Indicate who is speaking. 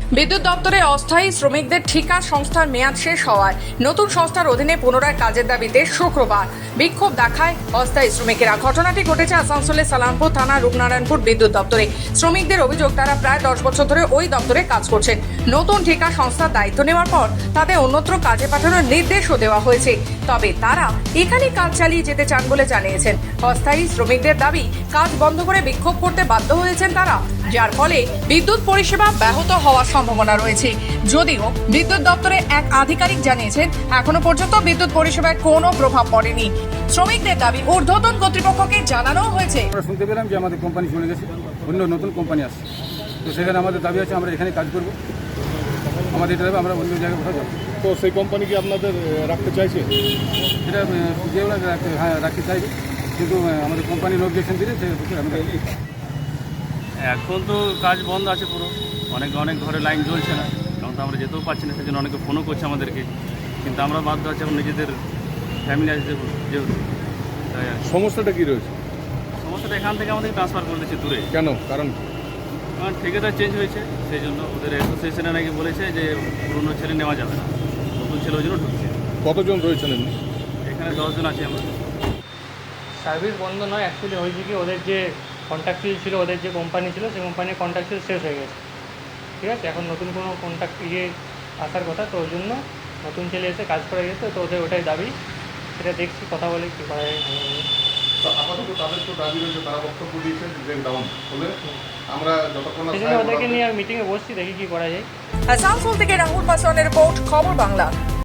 Speaker 1: বিদ্যুৎ দপ্তরে অস্থায়ী শ্রমিকদের ঠিকা সংস্থার মেয়াদ শেষ হওয়ায় নতুন সংস্থার অধীনে পুনরায় কাজের দাবিতে শুক্রবার বিক্ষোভ দেখায় অস্থায়ী শ্রমিকেরা। ঘটনাটি ঘটেছে আসানসোলের সালামপুর থানা রূপনারায়ণপুর বিদ্যুৎ দপ্তরে। শ্রমিকদের অভিযোগ, তারা প্রায় 10 বছর ধরে ওই দপ্তরে কাজ করছেন। নতুন ঠিকা সংস্থার দায়িত্ব নেওয়ার পর তাদের অন্যত্র কাজে পাঠানোর নির্দেশও দেওয়া হয়েছে। তবে তারা এখানে কাজ চালিয়ে যেতে চান বলে জানিয়েছেন। অস্থায়ী শ্রমিকদের দাবি, কাজ বন্ধ করে বিক্ষোভ করতে বাধ্য হয়েছেন তারা, যার ফলে বিদ্যুৎ পরিষেবা ব্যাহত হওয়ার সম্ভাবনা রয়েছে। যদিও বিদ্যুৎ দপ্তরে এক আধিকারিক জানিয়েছেন, এখনো পর্যন্ত বিদ্যুৎ পরিষেবায় কোনো প্রভাব পড়েনি। শ্রমিকদের দাবি ঊর্ধ্বতন কর্তৃপক্ষকে জানানো হয়েছে।
Speaker 2: আমরা শুনতে পেলাম যে আমাদের কোম্পানি চলে গেছে, অন্য নতুন কোম্পানি আসছে, তো সেখানে আমাদের দাবি আছে আমরা এখানে কাজ করব। আমাদের এটা দাবি, আমরা অন্য জায়গায় কোথাও যাবো।
Speaker 3: তো সেই কোম্পানি কি আপনাদের রাখতে চাইছে?
Speaker 2: সেটা যেগুলো হ্যাঁ রাখতে চাইবে, কিন্তু আমাদের কোম্পানি অবজেকশন দিলে আমরা
Speaker 4: এখন তো কাজ বন্ধ আছে পুরো, অনেক ঘরে লাইন জ্বলছে না, কারণ তো আমরা যেতেও পারছি না। সেজন্য অনেকে ফোনও করছে আমাদেরকে, কিন্তু আমরা বাধ্য আছি এখন নিজেদের ফ্যামিলি আছে যেহেতু। তাই আর
Speaker 3: সমস্যাটা কি রয়েছে?
Speaker 4: সমস্যাটা এখান থেকে আমাদের ট্রান্সফার করে দিচ্ছে দূরে,
Speaker 3: কেন? কারণ
Speaker 4: ঠিকাদার চেঞ্জ হয়েছে, সেই জন্য ওদের অ্যাসোসিয়েশনে নাকি বলেছে যে পুরনো ছেলে নেওয়া যাবে না, নতুন ছেলে ওই জন্য ঢুকছে।
Speaker 3: কতজন রয়েছেন এমনি?
Speaker 4: এখানে 10 জন আছি আমরা।
Speaker 5: সার্ভিস বন্ধ নয়, অ্যাকচুয়ালি হয়েছে কি, ওদের যে কন্ট্রাক্টুয়াল ছিল, ওদের যে কোম্পানি ছিল, সেই কোম্পানির কন্ট্রাক্টুয়াল শেষ হয়ে গেছে। ঠিক আছে, এখন নতুন কোনো কন্ট্রাক্ট আসার কথা, তো ওই জন্য নতুন ছেলে এসে কাজ করে গেছে। তো ওদের ওটাই দাবি, সেটা দেখছি, কথা বলে কী করা যায়।
Speaker 6: আপাতত তাদের তো দাবি রয়েছে, তারা বক্তব্য দিয়েছে যে ডাউন হলে আমরা যতক্ষণ
Speaker 5: সেই জন্য ওদেরকে নিয়ে মিটিংয়ে বসছি, দেখি কী করা যায়।
Speaker 1: আসানসোল থেকে রাহুল পাসওয়ানের রিপোর্ট, খবর বাংলা।